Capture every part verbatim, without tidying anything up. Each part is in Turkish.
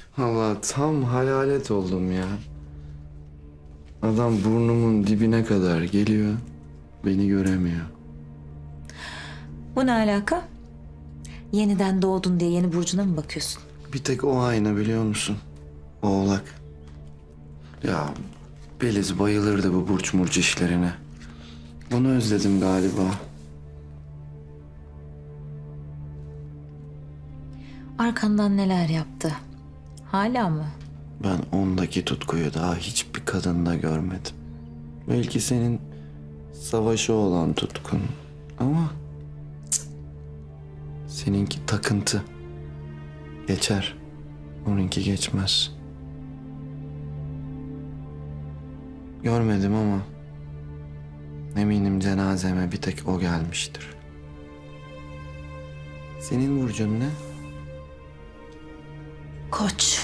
Allah tam hayalet oldum ya. Adam burnumun dibine kadar geliyor. Beni göremiyor. Bu ne alaka? Yeniden doğdun diye yeni burcuna mı bakıyorsun? Bir tek o ayna biliyor musun? Oğlak. Ya Beliz bayılırdı bu burç murç işlerine. Bunu özledim galiba. Arkandan neler yaptı? Hala mı? Ben ondaki tutkuyu daha hiçbir kadında görmedim. Belki senin savaşa olan tutkun ama cık, seninki takıntı. Geçer. Onunki geçmez. Görmedim ama eminim cenazeme bir tek o gelmiştir. Senin burcun ne? Koç.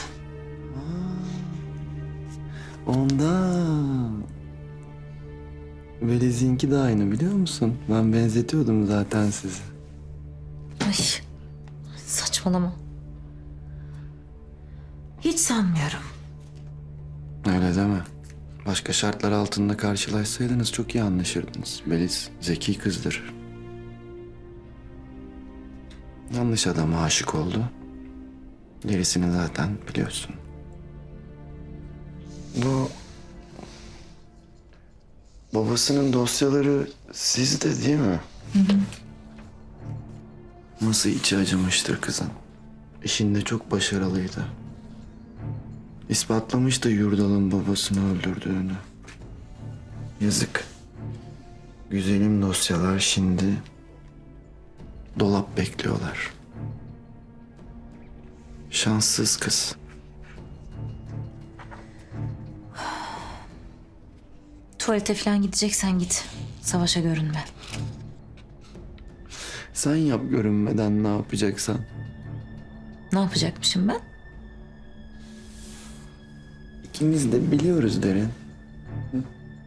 Ondan. Veliz'inki de aynı biliyor musun? Ben benzetiyordum zaten sizi. Ay, saçmalama. Hiç sanmıyorum. Öyle deme. Başka şartlar altında karşılaşsaydınız çok iyi anlaşırdınız. Beliz zeki kızdır. Yanlış adama aşık oldu. Gerisini zaten biliyorsun. Bu... Babasının dosyaları sizde değil mi? Hı hı. Nasıl içi acımıştır kızın. İşinde çok başarılıydı. İspatlamıştı Yurdal'ın babasını öldürdüğünü. Yazık. Güzelim dosyalar şimdi dolap bekliyorlar. Şanssız kız. Tuvalete falan gideceksen git. Savaşa görünme. Sen yap görünmeden ne yapacaksan. Ne yapacakmışım ben? İkimiz de biliyoruz Derin. Hı?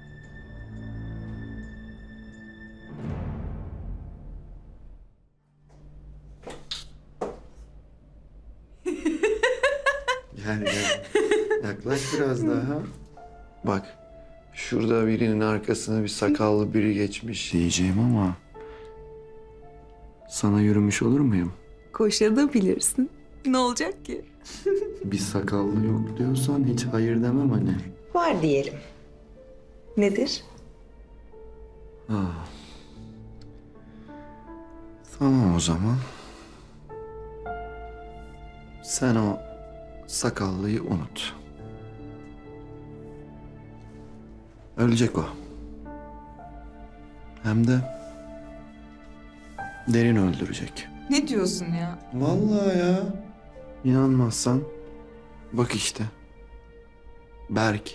Gel gel. Yaklaş biraz daha. Bak. Şurada birinin arkasına bir sakallı biri geçmiş diyeceğim ama... Sana yürümüş olur muyum? Koşabilirsin. Ne olacak ki? Bir sakallı yok diyorsan hiç hayır demem hani. Var diyelim. Nedir? Ah. Tamam o zaman. Sen o sakallıyı unut. Ölecek o. Hem de Derin öldürecek. Ne diyorsun ya? Vallahi ya. İnanmazsan bak işte. Berk.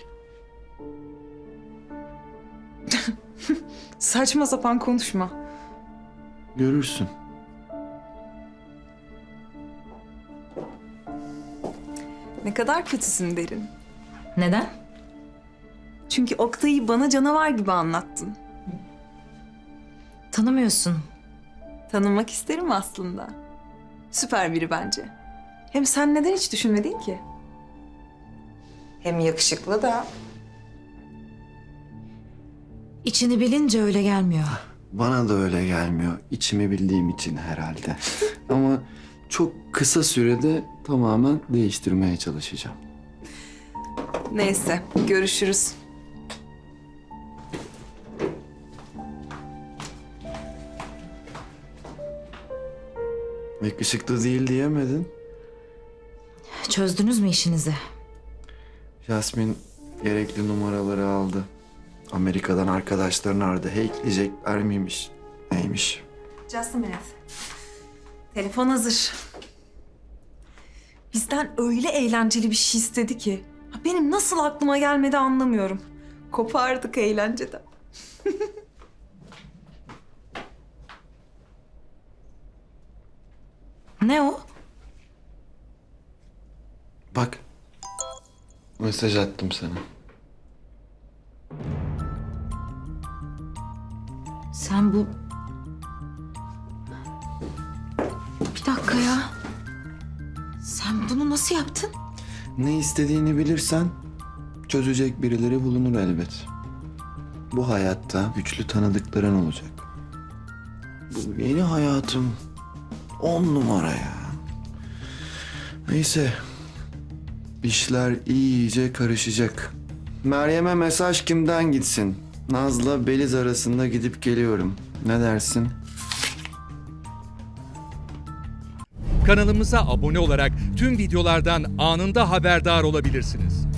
Saçma sapan konuşma. Görürsün. Ne kadar kötüsün Derin. Neden? Çünkü Oktay'ı bana canavar gibi anlattın. Tanımıyorsun. Tanımak isterim aslında. Süper biri bence. Hem sen neden hiç düşünmedin ki? Hem yakışıklı da. İçini bilince öyle gelmiyor. Bana da öyle gelmiyor. İçimi bildiğim için herhalde. Ama çok kısa sürede tamamen değiştirmeye çalışacağım. Neyse, görüşürüz. Yakışıklı değil diyemedin. Çözdünüz mü işinizi? Jasmin gerekli numaraları aldı. Amerika'dan arkadaşlarını aradı. Hackleyecekler miymiş? Neymiş? Just a minute. Telefon hazır. Bizden öyle eğlenceli bir şey istedi ki. Ha, benim nasıl aklıma gelmedi anlamıyorum. Kopardık eğlenceden. Ne o? Bak. Mesaj attım sana. Sen bu... Bir dakika ya. Sen bunu nasıl yaptın? Ne istediğini bilirsen çözecek birileri bulunur elbet. Bu hayatta güçlü tanıdıkların olacak. Bu yeni hayatım on numara ya. Neyse. İşler iyice karışacak. Meryem'e mesaj kimden gitsin? Naz'la Beliz arasında gidip geliyorum. Ne dersin? Kanalımıza abone olarak tüm videolardan anında haberdar olabilirsiniz.